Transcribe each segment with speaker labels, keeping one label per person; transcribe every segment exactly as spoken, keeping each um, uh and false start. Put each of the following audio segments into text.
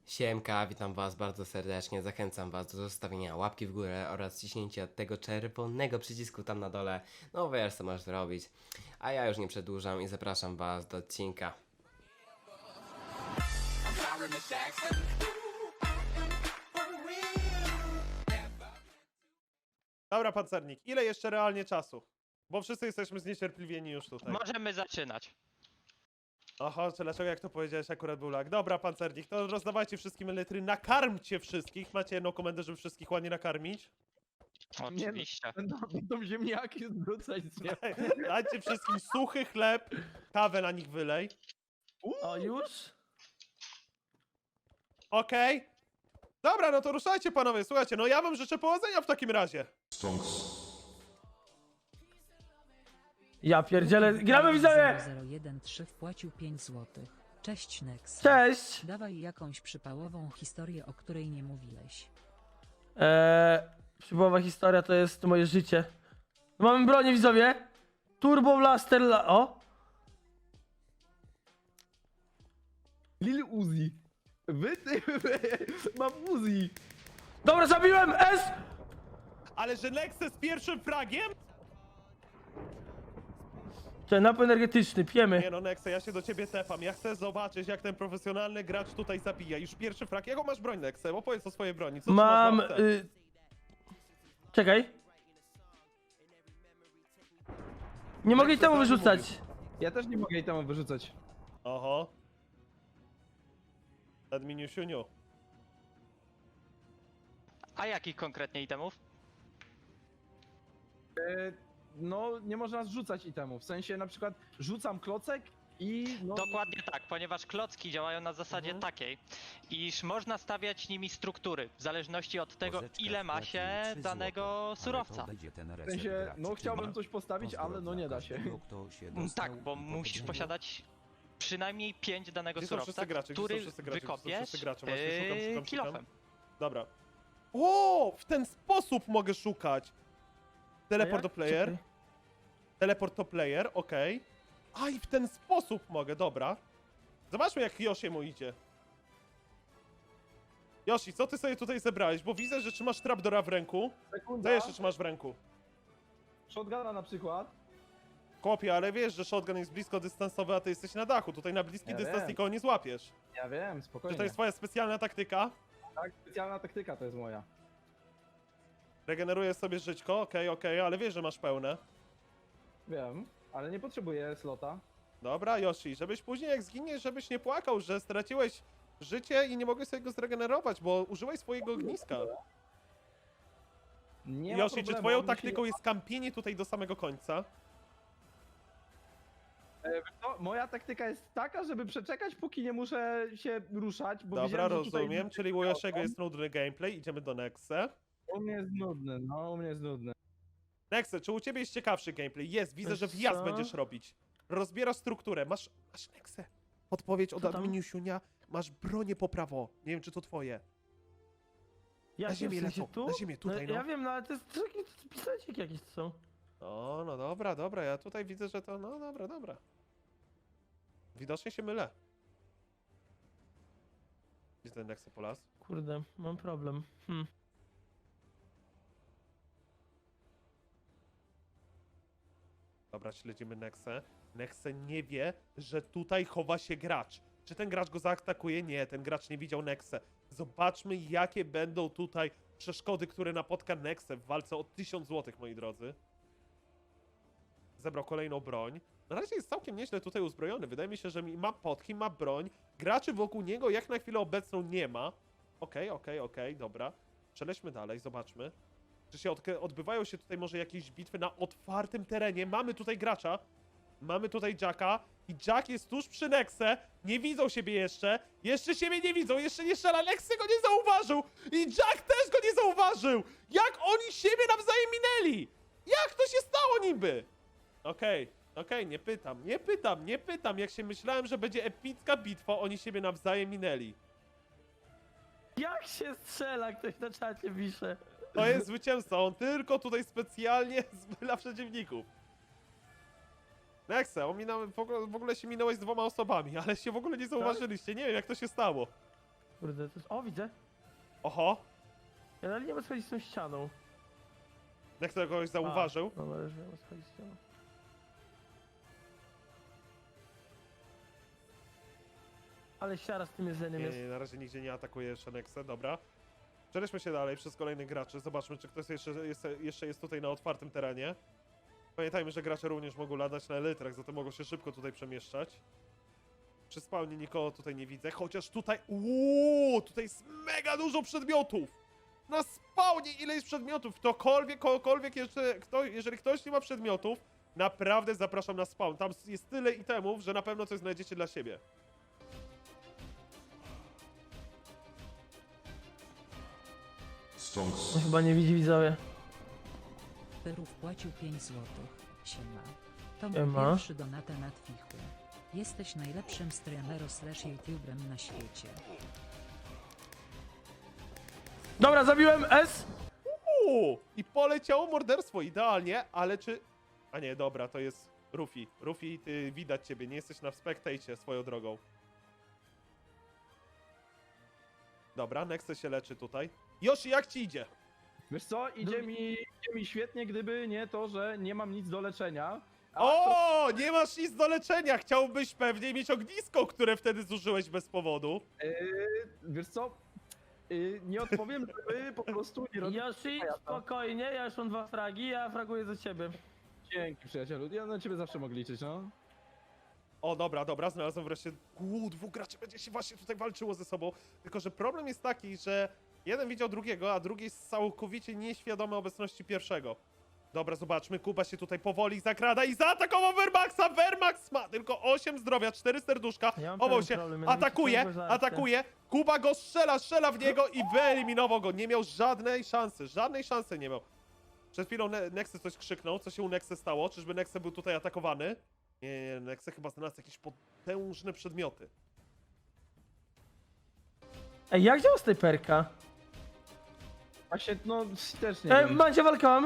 Speaker 1: Siemka, witam was bardzo serdecznie, zachęcam was do zostawienia łapki w górę oraz ciśnięcia tego czerwonego przycisku tam na dole, no wiesz co masz zrobić. A ja już nie przedłużam i zapraszam was do odcinka.
Speaker 2: Dobra, pancernik, ile jeszcze realnie czasu? Bo wszyscy jesteśmy zniecierpliwieni już tutaj.
Speaker 3: Możemy zaczynać.
Speaker 2: Oho, czy dlaczego jak to powiedziałeś akurat był lag? Dobra, pancernik, to rozdawajcie wszystkim litry, nakarmcie wszystkich. Macie jedną komendę, żeby wszystkich ładnie nakarmić?
Speaker 3: Oczywiście.
Speaker 4: Będą, będą ziemniaki zwrócać z nieba.
Speaker 2: Dajcie wszystkim suchy chleb, kawę na nich wylej.
Speaker 4: O, już?
Speaker 2: Okej? Dobra, no to ruszajcie panowie, słuchajcie, no ja wam życzę powodzenia w takim razie.
Speaker 4: Ja pierdzielę. Gramy widzowie!
Speaker 5: zero jeden trzy wpłacił pięć złotych. Cześć Nex.
Speaker 4: Cześć!
Speaker 5: Dawaj jakąś przypałową historię, o której nie mówiłeś.
Speaker 4: Eee, przybowa historia to jest moje życie. Mamy bronię widzowie. Turbo Blaster la... O!
Speaker 6: Lil Uzi. Wy, ty, wy, mam Uzi.
Speaker 4: Dobra, zabiłem! S!
Speaker 2: Ale że Nexe z pierwszym fragiem?
Speaker 4: Czy napój energetyczny, pijemy.
Speaker 2: Nie no, Nexe, ja się do ciebie tepam. Ja chcę zobaczyć, jak ten profesjonalny gracz tutaj zabija. Już pierwszy frag. Jaką masz broń, Nexe? Opowiedz o swojej broni. Co
Speaker 4: Mam...
Speaker 2: trzymasz w łapce?
Speaker 4: Y... Czekaj. Nie mogę i temu
Speaker 2: Nexe
Speaker 4: wyrzucać.
Speaker 2: zamówił.
Speaker 6: Ja też nie mogę jej tam wyrzucać.
Speaker 2: Oho. Adminiu siuniu.
Speaker 3: A jakich konkretnie itemów?
Speaker 6: E, no, nie można zrzucać itemów. W sensie na przykład rzucam klocek i no...
Speaker 3: Dokładnie tak, ponieważ klocki działają na zasadzie
Speaker 2: Mhm.
Speaker 3: takiej, iż można stawiać nimi struktury, w zależności od tego, ile ma się danego surowca.
Speaker 6: W sensie, no chciałbym coś postawić, ale no nie da się.
Speaker 3: Mm, Tak, bo musisz posiadać przynajmniej pięć danego
Speaker 2: Gdzie są
Speaker 3: surowca,
Speaker 2: wszyscy gracze? Gdzie są
Speaker 3: który
Speaker 2: wszyscy gracze? Gdzie są
Speaker 3: wykopiesz
Speaker 2: wszyscy gracze? Właśnie szukam,
Speaker 3: yy,
Speaker 2: szukam, szukam.
Speaker 3: kilofem.
Speaker 2: Dobra. O, w ten sposób mogę szukać.
Speaker 4: A
Speaker 2: Teleport
Speaker 4: jak?
Speaker 2: do player.
Speaker 4: Czekaj.
Speaker 2: Teleport to player, okej. A i w ten sposób mogę, dobra. Zobaczmy jak Yoshiemu idzie. Yoshi, co ty sobie tutaj zebrałeś? Bo widzę, że trzymasz trapdora w ręku.
Speaker 6: Sekunda.
Speaker 2: Co jeszcze trzymasz w ręku?
Speaker 6: Shotguna na przykład.
Speaker 2: Kopie, ale wiesz, że shotgun jest blisko dystansowy, a ty jesteś na dachu. Tutaj na bliski
Speaker 6: Ja
Speaker 2: dystans
Speaker 6: wiem.
Speaker 2: nikogo nie złapiesz.
Speaker 6: Ja wiem,
Speaker 2: Czy
Speaker 6: spokojnie.
Speaker 2: to jest twoja specjalna taktyka?
Speaker 6: Tak, specjalna taktyka to jest moja.
Speaker 2: Regenerujesz sobie żyćko, okej, okej, ale wiesz, że masz pełne.
Speaker 6: Wiem, ale nie potrzebuję slota.
Speaker 2: Dobra, Yoshi, żebyś później jak zginiesz, żebyś nie płakał, że straciłeś życie i nie mogłeś sobie go zregenerować, bo użyłeś swojego ogniska.
Speaker 6: Nie ma
Speaker 2: Yoshi, czy
Speaker 6: problemu,
Speaker 2: twoją
Speaker 6: musi-
Speaker 2: taktyką jest kampienie tutaj do samego końca?
Speaker 6: E, wiesz co, moja taktyka jest taka, żeby przeczekać, póki nie muszę się ruszać, bo
Speaker 2: Dobra,
Speaker 6: widziałem, że tutaj-
Speaker 2: rozumiem, czyli u Yoshiego jest nudny gameplay, idziemy do Nexe.
Speaker 6: U mnie jest nudny, no u mnie jest nudny.
Speaker 2: Nexe, czy u ciebie jest ciekawszy gameplay? Jest, widzę,
Speaker 4: Wiesz
Speaker 2: że wjazd
Speaker 4: co?
Speaker 2: będziesz robić. Rozbierasz strukturę, masz, masz Nexe. Podpowiedź od
Speaker 4: Co tam?
Speaker 2: adminiusiunia, masz bronię po prawo. Nie wiem, czy to twoje.
Speaker 4: Ja
Speaker 2: Na ziemię
Speaker 4: w sensie
Speaker 2: lecą,
Speaker 4: tu?
Speaker 2: na ziemię, tutaj, no.
Speaker 4: Ja wiem, no ale to jest takie pisaciki jakieś są.
Speaker 2: O, no dobra, dobra, ja tutaj widzę, że to, no dobra, dobra. Widocznie się mylę. Gdzie ten Nexe polas?
Speaker 4: Kurde, mam problem. Hm.
Speaker 2: Dobra, śledzimy Nexę. Nexe nie wie, że tutaj chowa się gracz. Czy ten gracz go zaatakuje? Nie, ten gracz nie widział Nexę. Zobaczmy, jakie będą tutaj przeszkody, które napotka Nexę w walce o tysiąc złotych, moi drodzy. Zebrał kolejną broń. Na razie jest całkiem nieźle tutaj uzbrojony. Wydaje mi się, że ma potki, ma broń. Graczy wokół niego jak na chwilę obecną nie ma. Okej, okej, okej, dobra. Przelećmy dalej, zobaczmy. Czy się odk- odbywają się tutaj może jakieś bitwy na otwartym terenie? Mamy tutaj gracza. Mamy tutaj Jacka. I Jack jest tuż przy Nexe. Nie widzą siebie jeszcze. Jeszcze siebie nie widzą. Jeszcze nie strzela. Nexe go nie zauważył. I Jack też go nie zauważył. Jak oni siebie nawzajem minęli? Jak to się stało niby? Okej, okej, nie pytam. Nie pytam, nie pytam. Jak się myślałem, że będzie epicka bitwa, oni siebie nawzajem minęli.
Speaker 4: Jak się strzela, ktoś na czacie pisze.
Speaker 2: To jest zwycięzca, on tylko tutaj specjalnie zmyla przeciwników. Nexe, ominąłem, w ogóle, w ogóle się minąłeś z dwoma osobami, ale się w ogóle nie zauważyliście, nie wiem jak to się stało.
Speaker 4: Kurde, to jest... O, widzę.
Speaker 2: Oho,
Speaker 4: Ja dalej nie mam schodzić z tą ścianą.
Speaker 2: jak to kogoś zauważył.
Speaker 4: A, dobra, już wiem, schodzić z ścianą. Ale siara z tym jedzeniem
Speaker 2: Nie,
Speaker 4: jest.
Speaker 2: nie, na razie nigdzie nie atakuje jeszcze Nexę, dobra. Przejdźmy się dalej przez kolejnych graczy, zobaczmy czy ktoś jeszcze jest, jeszcze jest tutaj na otwartym terenie. Pamiętajmy, że gracze również mogą latać na elytrach, zatem mogą się szybko tutaj przemieszczać. Przy spawnie nikogo tutaj nie widzę, chociaż tutaj... Uuu, tutaj jest mega dużo przedmiotów! Na spawnie ile jest przedmiotów? Ktokolwiek, kogokolwiek jeszcze, kto, jeżeli ktoś nie ma przedmiotów, naprawdę zapraszam na spawn. Tam jest tyle itemów, że na pewno coś znajdziecie dla siebie.
Speaker 4: On chyba nie widzi widzowie.
Speaker 5: Peru wpłacił pięć złotych. Siema. To mój
Speaker 4: Siema.
Speaker 5: pierwszy donata na Twichu. Jesteś najlepszym streamerem slash youtuberem na świecie.
Speaker 4: Dobra, zabiłem S!
Speaker 2: Uuu, i poleciało morderstwo, idealnie, ale czy... A nie, dobra, to jest Rufi. Rufi, ty widać ciebie, nie jesteś na spectacie swoją drogą. Dobra, Nexe się leczy tutaj. Yoshi, jak ci idzie?
Speaker 6: Wiesz co, idzie mi, idzie mi świetnie, gdyby nie to, że nie mam nic do leczenia. A to,
Speaker 2: O, nie masz nic do leczenia! Chciałbyś pewnie mieć ognisko, które wtedy zużyłeś bez powodu.
Speaker 6: yy, wiesz co, yy, nie odpowiem, żeby po prostu nie robić...
Speaker 4: Yoshi, spokojnie, ja już mam dwa fragi, ja fraguję za ciebie.
Speaker 6: Dzięki, przyjacielu. Ja na ciebie zawsze mogę liczyć, no.
Speaker 2: O, dobra, dobra, znalazłem wreszcie... Uuu, dwóch graczy będzie się właśnie tutaj walczyło ze sobą. Tylko, że problem jest taki, że jeden widział drugiego, a drugi jest całkowicie nieświadomy obecności pierwszego. Dobra, zobaczmy, Kuba się tutaj powoli zakrada i zaatakował Wehrmaxa! Wehrmax ma tylko osiem zdrowia, cztery serduszka,
Speaker 4: Ja mam
Speaker 2: chował
Speaker 4: pewien
Speaker 2: się,
Speaker 4: problem, mianowicie
Speaker 2: atakuje,
Speaker 4: ciągłe żarcie.
Speaker 2: atakuje, Kuba go strzela, strzela w niego i wyeliminował go. Nie miał żadnej szansy, żadnej szansy nie miał. Przed chwilą Ne- Nexe coś krzyknął, co się u Nexe stało? Czyżby Nexe był tutaj atakowany? Nie, nie, nie, Nexe chyba znalazł jakieś potężne przedmioty.
Speaker 4: Ej, jak działa snajperka?
Speaker 6: Właśnie, no, też nie
Speaker 4: Ej,
Speaker 6: wiem.
Speaker 4: Mancie, walkam!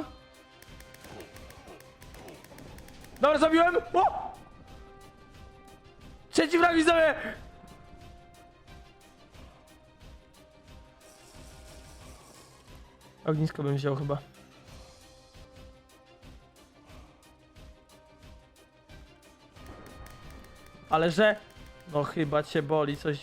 Speaker 4: Dobra, zabiłem! O! Trzeci frag widzowie! Ognisko bym wziął chyba. Ale że... No chyba cię boli coś...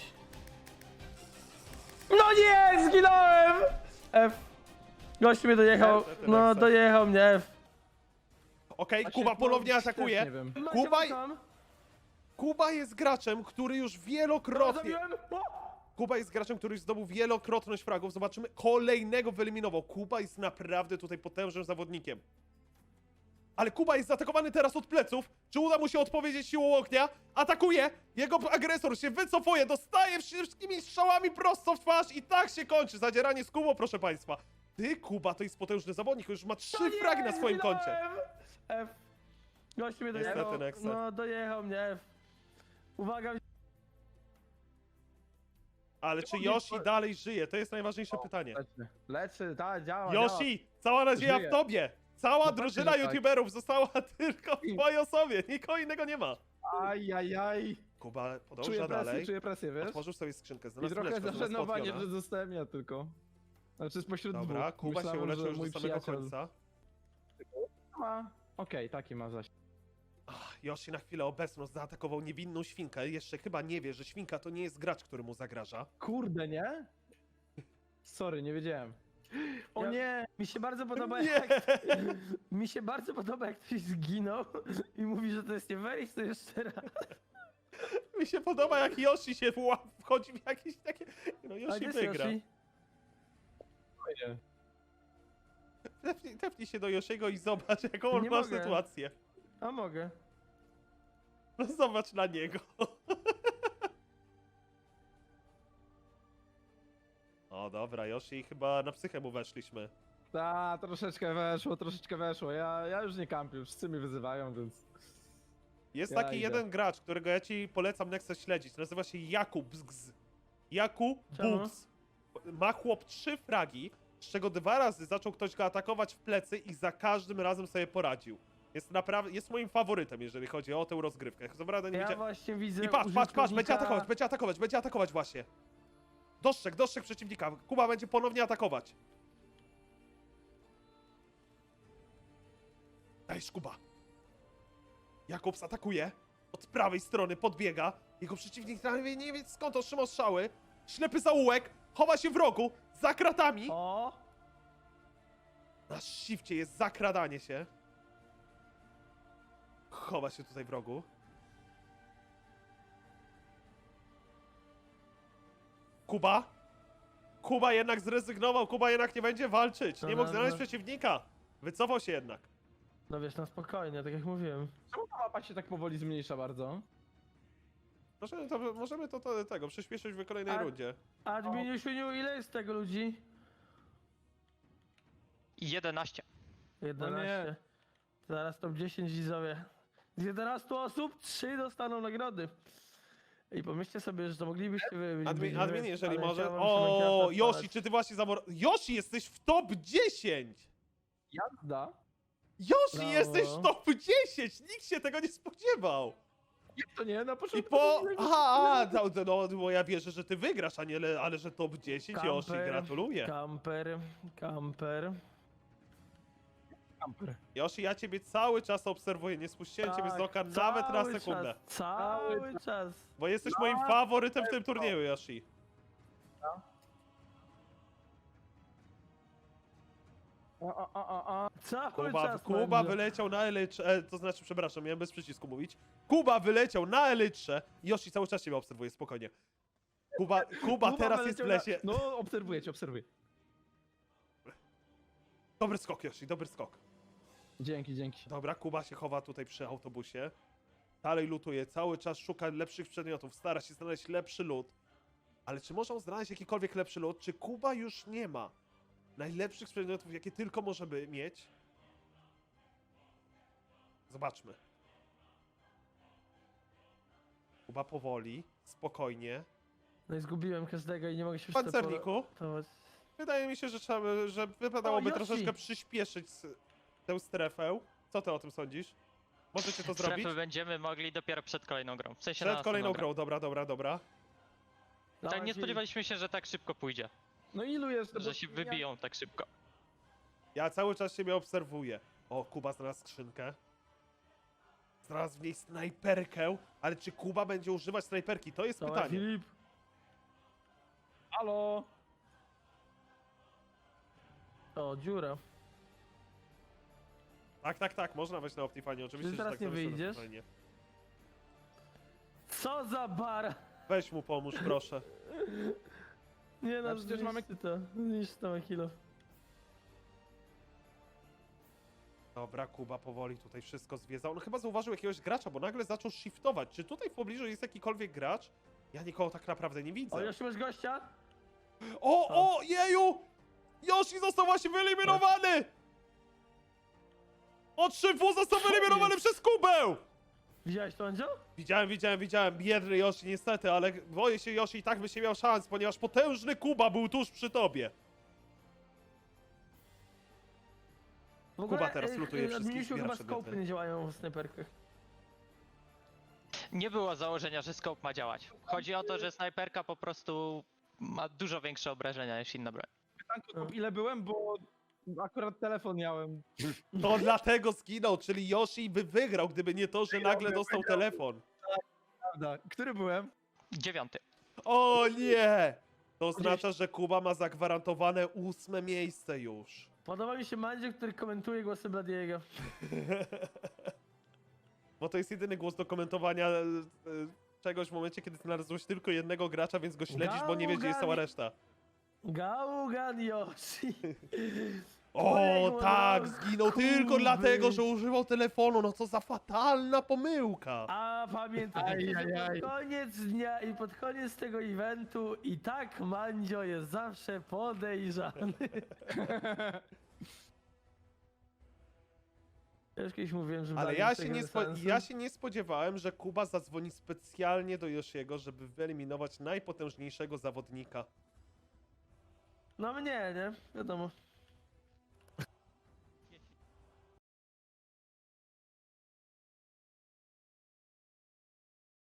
Speaker 4: No nie! Zginąłem! F. Gość mnie dojechał.
Speaker 2: F, F, F,
Speaker 4: No
Speaker 2: F.
Speaker 4: dojechał mnie F.
Speaker 2: Okej,
Speaker 6: Właśnie,
Speaker 2: Kuba
Speaker 6: no,
Speaker 2: ponownie
Speaker 6: też
Speaker 2: atakuje.
Speaker 6: Nie wiem.
Speaker 4: Mancie,
Speaker 2: Kuba-
Speaker 4: walkam.
Speaker 2: Kuba jest graczem, który już
Speaker 4: Dobra,
Speaker 2: wielokrotnie...
Speaker 4: zabiłem! O!
Speaker 2: Kuba jest graczem, który już zdobył wielokrotność fragów. Zobaczymy, kolejnego wyeliminował. Kuba jest naprawdę tutaj potężnym zawodnikiem. Ale Kuba jest zaatakowany teraz od pleców. Czy uda mu się odpowiedzieć siłą ognia? Atakuje! Jego agresor się wycofuje, dostaje wszystkimi strzałami prosto w twarz i tak się kończy. Zadzieranie z Kubą, proszę państwa. Ty, Kuba, to jest potężny zawodnik, już ma trzy
Speaker 4: No nie,
Speaker 2: fragi na swoim
Speaker 4: zginąłem!
Speaker 2: koncie.
Speaker 4: F. Gość mnie
Speaker 2: Niestety,
Speaker 4: dojechał.
Speaker 2: Nexe.
Speaker 4: No dojechał mnie F. Uwaga.
Speaker 2: Ale czy
Speaker 6: Nie,
Speaker 2: Yoshi
Speaker 6: to-
Speaker 2: dalej żyje? To jest najważniejsze pytanie.
Speaker 6: Leczy, leczy, tak, działa, działa.
Speaker 2: Yoshi, cała nadzieja
Speaker 6: Żyje.
Speaker 2: w tobie! Cała
Speaker 6: No
Speaker 2: drużyna
Speaker 6: pewnie, że tak.
Speaker 2: youtuberów została tylko w
Speaker 6: I-
Speaker 2: twojej osobie, nikogo innego nie ma.
Speaker 6: Aj, aj, aj.
Speaker 2: Kuba podąża
Speaker 6: Czuję presję,
Speaker 2: dalej.
Speaker 6: czuję presję, wiesz?
Speaker 2: Otworzył sobie skrzynkę,
Speaker 6: I
Speaker 2: znalazł
Speaker 6: trochę
Speaker 2: mleczko, znalazł
Speaker 6: zażenowanie,
Speaker 2: skorpiona.
Speaker 6: że zostałem ja tylko. Znaczy spośród
Speaker 2: Dobra,
Speaker 6: dwóch.
Speaker 2: Kuba się
Speaker 6: Myślałem,
Speaker 2: uleczył
Speaker 6: że
Speaker 2: już do
Speaker 6: mój
Speaker 2: samego
Speaker 6: przyjaciel
Speaker 2: końca.
Speaker 6: Ma... Okej, taki ma zaś.
Speaker 2: Ach, Yoshi na chwilę obecną zaatakował niewinną świnkę. Jeszcze chyba nie wie, że świnka to nie jest gracz, który mu zagraża.
Speaker 6: Kurde, nie? Sorry, nie wiedziałem. O
Speaker 4: Ja-
Speaker 6: nie!
Speaker 4: Mi się bardzo podoba
Speaker 2: Nie!
Speaker 4: jak... Mi się bardzo podoba jak ktoś zginął i mówi, że to jest nie fair i to jeszcze raz.
Speaker 2: Mi się podoba, jak Yoshi się wła- wchodzi w jakieś takie... No
Speaker 4: A
Speaker 2: Yoshi
Speaker 4: gdzie jest
Speaker 2: wygra.
Speaker 4: Yoshi?
Speaker 6: Fajnie.
Speaker 2: Tepnij, tepnij się do Yoshiego i zobacz, jaką on
Speaker 4: Nie
Speaker 2: ma
Speaker 4: mogę.
Speaker 2: sytuację.
Speaker 4: A mogę.
Speaker 2: No zobacz na niego. O dobra, Yoshi, chyba na psychę mu weszliśmy.
Speaker 6: Ta, troszeczkę weszło, troszeczkę weszło. Ja, ja już nie kampię, wszyscy mnie wyzywają, więc...
Speaker 2: Jest
Speaker 6: Ja
Speaker 2: taki
Speaker 6: idę.
Speaker 2: jeden gracz, którego ja ci polecam Nexe śledzić. Nazywa się Jakub Bzgz. Jakub
Speaker 4: Czemu?
Speaker 2: Bzgz. Ma chłop trzy fragi, z czego dwa razy zaczął ktoś go atakować w plecy i za każdym razem sobie poradził. Jest naprawdę, jest moim faworytem, jeżeli chodzi o tę rozgrywkę. Co prawda nie
Speaker 4: Ja
Speaker 2: widzia...
Speaker 4: właśnie widzę
Speaker 2: I patrz, patrz, patrz, będzie
Speaker 4: użytkownika-
Speaker 2: atakować, będzie atakować, będzie atakować właśnie. Dostrzeg, dostrzeg przeciwnika. Kuba będzie ponownie atakować. Dajesz, Kuba. Jakobs atakuje. Od prawej strony podbiega. Jego przeciwnik nie, nie wie skąd otrzymał strzały. Ślepy zaułek. Chowa się w rogu. Za kratami.
Speaker 4: O!
Speaker 2: Na shifcie jest zakradanie się. Chowa się tutaj w rogu. Kuba? Kuba jednak zrezygnował, Kuba jednak nie będzie walczyć. Nie
Speaker 4: No
Speaker 2: mógł
Speaker 4: dobra.
Speaker 2: znaleźć przeciwnika. Wycofał się jednak.
Speaker 4: No wiesz, na spokojnie, tak jak mówiłem.
Speaker 6: Czemu ta mapa się tak powoli zmniejsza bardzo?
Speaker 2: Możemy to, możemy to, to tego przyspieszyć w kolejnej
Speaker 4: A-
Speaker 2: rundzie.
Speaker 4: Adminiu, Świniu, ile jest tego ludzi?
Speaker 3: jedenaście.
Speaker 4: jedenaście. Zaraz top dziesięć widzowie. Z jedenastu osób trzy dostaną nagrody. I pomyślcie sobie, że to moglibyście wy...
Speaker 2: Admin,
Speaker 4: wy-
Speaker 2: admin jeżeli
Speaker 4: ale
Speaker 2: może.
Speaker 4: chciałem
Speaker 2: O,
Speaker 4: Minecrafta
Speaker 2: Yoshi,
Speaker 4: odpalać.
Speaker 2: czy ty właśnie zamor... Yoshi, jesteś w top dziesięć!
Speaker 6: Jazda?
Speaker 2: Yoshi,
Speaker 4: Brawo.
Speaker 2: jesteś w top dziesięć! Nikt się tego nie spodziewał!
Speaker 6: Jak to nie? Na
Speaker 2: I
Speaker 6: początku...
Speaker 2: po...
Speaker 6: to nie-
Speaker 2: Aha, no, no, no, bo ja wierzę, że ty wygrasz, a nie, ale, ale że top dziesięć, Yoshi,
Speaker 4: Kamper,
Speaker 2: gratuluję.
Speaker 4: Kamper, kamper.
Speaker 6: Camper.
Speaker 2: Yoshi, ja ciebie cały czas obserwuję, nie spuściłem ciebie z oka nawet na
Speaker 4: cały
Speaker 2: sekundę.
Speaker 4: Czas, cały
Speaker 6: Cały
Speaker 4: czas.
Speaker 2: Bo jesteś moim faworytem w tym turnieju, Yoshi.
Speaker 6: A, a, a, a, a.
Speaker 4: Cały
Speaker 2: Kuba,
Speaker 4: czas.
Speaker 2: Kuba
Speaker 4: będzie.
Speaker 2: wyleciał na elytrze, e, to znaczy, przepraszam, miałem bez przycisku mówić. Kuba wyleciał na elytrze. Yoshi cały czas ciebie obserwuje, spokojnie. Kuba, Kuba teraz jest w
Speaker 6: wyleciał
Speaker 2: lesie.
Speaker 6: Na... No, obserwuję cię, obserwuję.
Speaker 2: Dobry skok, Yoshi, dobry skok.
Speaker 6: Dzięki, dzięki.
Speaker 2: Dobra, Kuba się chowa tutaj przy autobusie. Dalej lutuje, cały czas szuka lepszych przedmiotów, stara się znaleźć lepszy lód. Ale czy można znaleźć jakikolwiek lepszy lód? Czy Kuba już nie ma najlepszych przedmiotów, jakie tylko może by mieć? Zobaczmy. Kuba powoli, spokojnie.
Speaker 4: No i zgubiłem każdego i nie mogę się
Speaker 2: Pancerniku,
Speaker 4: przetepować.
Speaker 2: wydaje mi się, że, trzeba, by- że wypadałoby
Speaker 4: Yoshi.
Speaker 2: troszeczkę przyspieszyć s- tę strefę. Co ty o tym sądzisz? Możecie to zrobić?
Speaker 3: Strefy będziemy mogli dopiero przed kolejną grą. W sensie
Speaker 2: Przed
Speaker 3: na
Speaker 2: kolejną
Speaker 3: następną
Speaker 2: grą, dobra, dobra, dobra.
Speaker 3: Tak, nie
Speaker 4: Dawaj,
Speaker 3: spodziewaliśmy się, że tak szybko pójdzie.
Speaker 6: No ilu jest?
Speaker 3: Że się wybiją tak szybko.
Speaker 2: Ja cały czas siebie obserwuję. O, Kuba znalazł skrzynkę. Znalazł w niej snajperkę, ale czy Kuba będzie używać snajperki? To jest
Speaker 4: Dawaj,
Speaker 2: pytanie.
Speaker 4: Filip.
Speaker 6: Halo?
Speaker 4: O, dziura.
Speaker 2: Tak, tak, tak, można wejść na Optifine, oczywiście,
Speaker 4: Czy
Speaker 2: że
Speaker 4: teraz
Speaker 2: tak
Speaker 4: nie
Speaker 2: to wejść na
Speaker 4: wyjdziesz?
Speaker 2: Optifine.
Speaker 4: Co za bara!
Speaker 2: Weź mu pomóż, proszę.
Speaker 4: Nie no,
Speaker 6: Ja przecież mamy-
Speaker 4: zniszczy to. Zniszczy to kilo.
Speaker 2: Dobra, Kuba powoli tutaj wszystko zwiedza. On chyba zauważył jakiegoś gracza, bo nagle zaczął shiftować. Czy tutaj w pobliżu jest jakikolwiek gracz? Ja nikogo tak naprawdę nie widzę.
Speaker 4: O, już masz gościa?
Speaker 2: O, o, jeju! Yoshi został właśnie wyeliminowany! Od szyfu został wyeliminowany przez Kubę!
Speaker 4: Widziałeś to, Andzio?
Speaker 2: Widziałem, widziałem, widziałem. Biedny Yoshi niestety, ale boję się, Yoshi i tak byś nie miał szans, ponieważ potężny Kuba był tuż przy tobie.
Speaker 4: W ogóle,
Speaker 2: Kuba teraz
Speaker 4: e,
Speaker 2: lutuje
Speaker 4: e,
Speaker 2: wszystkich,
Speaker 4: Adminiusiu,
Speaker 2: zbiera
Speaker 4: chyba
Speaker 2: przedmioty.
Speaker 4: skopy nie działają w snajperkach.
Speaker 3: Nie było założenia, że scope ma działać. Chodzi o to, że snajperka po prostu ma dużo większe obrażenia niż inna broń.
Speaker 6: Pytanko, ile byłem, bo akurat telefon miałem.
Speaker 2: To dlatego zginął, czyli Yoshi by wygrał, gdyby nie to, że nagle dostał telefon.
Speaker 6: Prawda. Który byłem?
Speaker 3: Dziewiąty.
Speaker 2: O nie! To oznacza, że Kuba ma zagwarantowane ósme miejsce już.
Speaker 4: Podoba mi się Mandzio, który komentuje głosy Bladiego.
Speaker 2: Bo to jest jedyny głos do komentowania e, e, czegoś w momencie, kiedy znalazłeś tylko jednego gracza, więc go śledzisz, bo nie wiesz, gdzie jest cała reszta.
Speaker 4: Gaugan Yoshi.
Speaker 2: O,
Speaker 4: Ojej,
Speaker 2: tak,
Speaker 4: no,
Speaker 2: zginął
Speaker 4: Kuby.
Speaker 2: tylko dlatego, że używał telefonu. No co za fatalna pomyłka.
Speaker 4: A pamiętaj,
Speaker 6: Aj,
Speaker 4: że
Speaker 6: aj, aj.
Speaker 4: pod koniec dnia i pod koniec tego eventu i tak Mandzio jest zawsze podejrzany. Ja już kiedyś mówiłem, że
Speaker 2: Ale
Speaker 4: Blady
Speaker 2: ja
Speaker 4: z
Speaker 2: się,
Speaker 4: tego
Speaker 2: nie
Speaker 4: bez
Speaker 2: spo,
Speaker 4: sensu.
Speaker 2: ja się nie spodziewałem, że Kuba zadzwoni specjalnie do Yoshiego, żeby wyeliminować najpotężniejszego zawodnika.
Speaker 4: No mnie, nie? Wiadomo.